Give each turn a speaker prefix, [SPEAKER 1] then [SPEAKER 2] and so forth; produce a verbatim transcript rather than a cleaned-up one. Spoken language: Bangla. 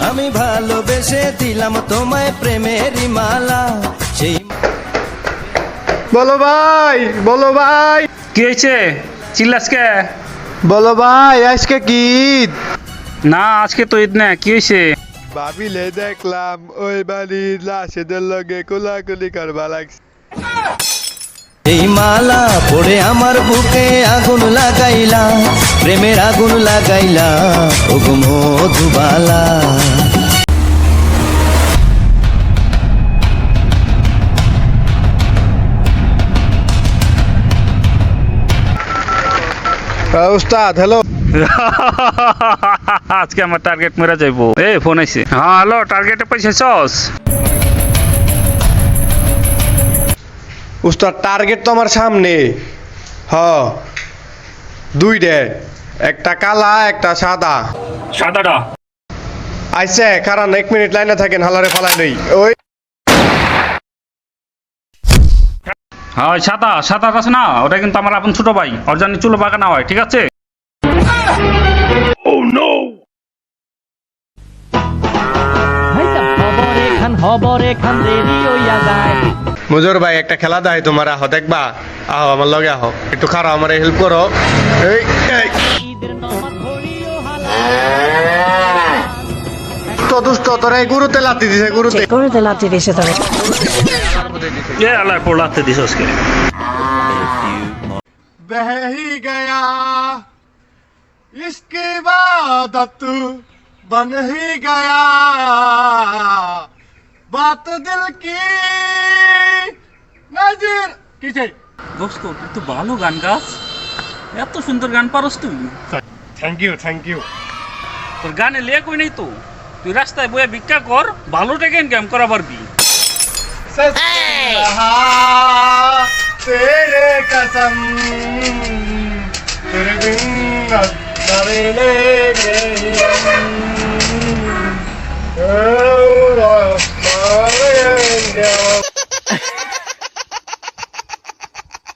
[SPEAKER 1] আমি ভালোবেসে দিলাম তোমায় প্রেমেরই মালা সেই
[SPEAKER 2] বলো ভাই বলো ভাই
[SPEAKER 3] কি হয়েছে চিল্লাসকে?
[SPEAKER 2] বলো ভাই আজকে কি ঈদ?
[SPEAKER 3] না আজকে তো ঈদ না, কি হয়েছে?
[SPEAKER 2] ভাবিলে দেখলাম ওই বাড়ির লাশেদের লগে কোলাকুলি করবা লাগছে।
[SPEAKER 1] এই মালা পড়ে আমার বুকে আগুন লাগাইলা, প্রেমের আগুন লাগাইলা ও গো মধুবালা।
[SPEAKER 2] উস্তাদ হ্যালো।
[SPEAKER 3] আজকে আমার টার্গেট মেরা যাইবো। এ ফোন আইছে। হ্যাঁ হ্যালো, টার্গেটে পয়সা চস?
[SPEAKER 2] উস্তাদ টার্গেট তো আমার সামনে। হ দুইটা, একটা কালা একটা সাদা।
[SPEAKER 3] সাদাটা
[SPEAKER 2] আইসে কারণ এক মিনিট লাইনে থাকেন, হালারে ফালাই নেই। ওই
[SPEAKER 3] হ্যাঁ সাদা সাদা আছে না, ওটা কিন্তু আমার আপন ছোট ভাই, ওর জন্য চুলো বাগানা হয়, ঠিক আছে?
[SPEAKER 2] মুজর ভাই একটা খেলা দেয় তোমার, আহ দেখবা? আহ আমার লগে আহ, একটু খারাপ আমার হেল্প করো। এই এই। তো দুষ্ট তোরা এই গুরুতে লাতি দিছে, গুরুতে
[SPEAKER 4] গরুতে লাথি দিছে তবে।
[SPEAKER 3] এ আল্লাহ পড়াতে দিস আজকে।
[SPEAKER 2] बह ही गया इसकी इबादत बन ही गया बात दिल की नजर किसे।
[SPEAKER 3] দোস্ত তুই তো ভালো গান গাস, এত সুন্দর গান পারস তুই।
[SPEAKER 2] Thank you thank you.
[SPEAKER 3] তোর গানে লেখ হই নাই তো, তুই রাস্তায় বইয়া ভিক্ষা কর, ভালো টাকা ইনকাম করা পারবি।
[SPEAKER 2] तेरे कसम तेरे बिन नजरें ले गई।